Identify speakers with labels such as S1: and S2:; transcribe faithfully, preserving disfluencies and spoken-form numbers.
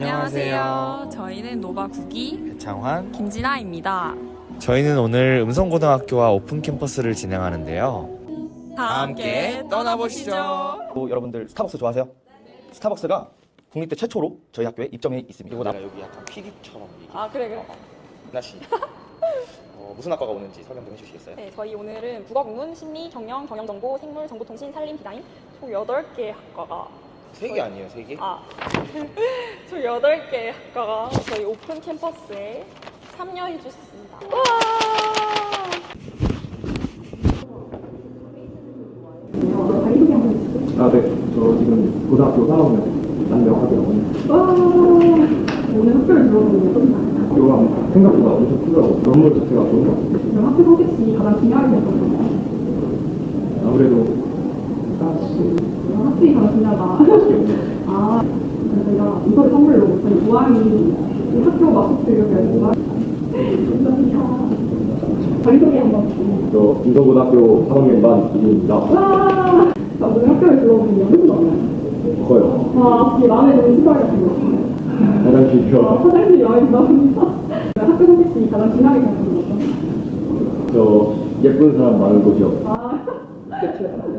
S1: 안녕하세요. 저희는 노바 구기
S2: 배창환,
S1: 김진아입니다.
S2: 저희는 오늘 음성고등학교와 오픈 캠퍼스를 진행하는데요.
S1: 다 함께 떠나보시죠.
S3: 또 여러분들 스타벅스 좋아하세요? 스타벅스가 국립대 최초로 저희 학교에 입점해 있습니다.
S2: 그리고 나 여기 약간 피디처럼 얘기.
S1: 아 그래 그래.
S3: 나씨 어, 무슨 학과가 오는지 설명 좀 해주시겠어요?
S4: 네, 저희 오늘은 국어국문, 심리, 정령, 경영정보, 생물, 정보통신, 산림, 디자인 총 여덟 개 학과가
S3: 세 개 아니에요, 세 개?
S4: 아, 총 여덟 개 학과가 저희 오픈 캠퍼스에 참여해 주셨습니다. 와!
S5: 아, 네. 저 지금 고등학교 삼 학년 남명학이라고 합니다.
S6: 와, 오늘 학교를 들어보니 어떠셨나요?
S5: 학교가 생각보다 엄청 크더라고요. 건물 자체가 좋은 것 같아요.
S6: 그럼 학교 선택지 가장 중요하게 생각하나요?
S5: 아무래도 사실
S6: 학생이 가장 중요하다. 아, 그래서 저희가 이거를 선물로 저희 무한히 이 학교 마스크를 배우고 감사합니다. 자기소개 한번 부탁드립니다.
S5: 저 인성고등학교 삼 학년 반 이진입니다.
S6: 와, 자, 오늘 학교를 들어보니 어떠셨나요?
S5: 커요.
S6: 와, 제 마음에 드는 시설이 같은 거.
S5: 화장실이요.
S6: 아, 화장실이 마음에 든답니다. 학교 선택지 가장 중요하게 생각하는 거.
S5: 저 예쁜 사람 많은 곳이요.
S6: 아,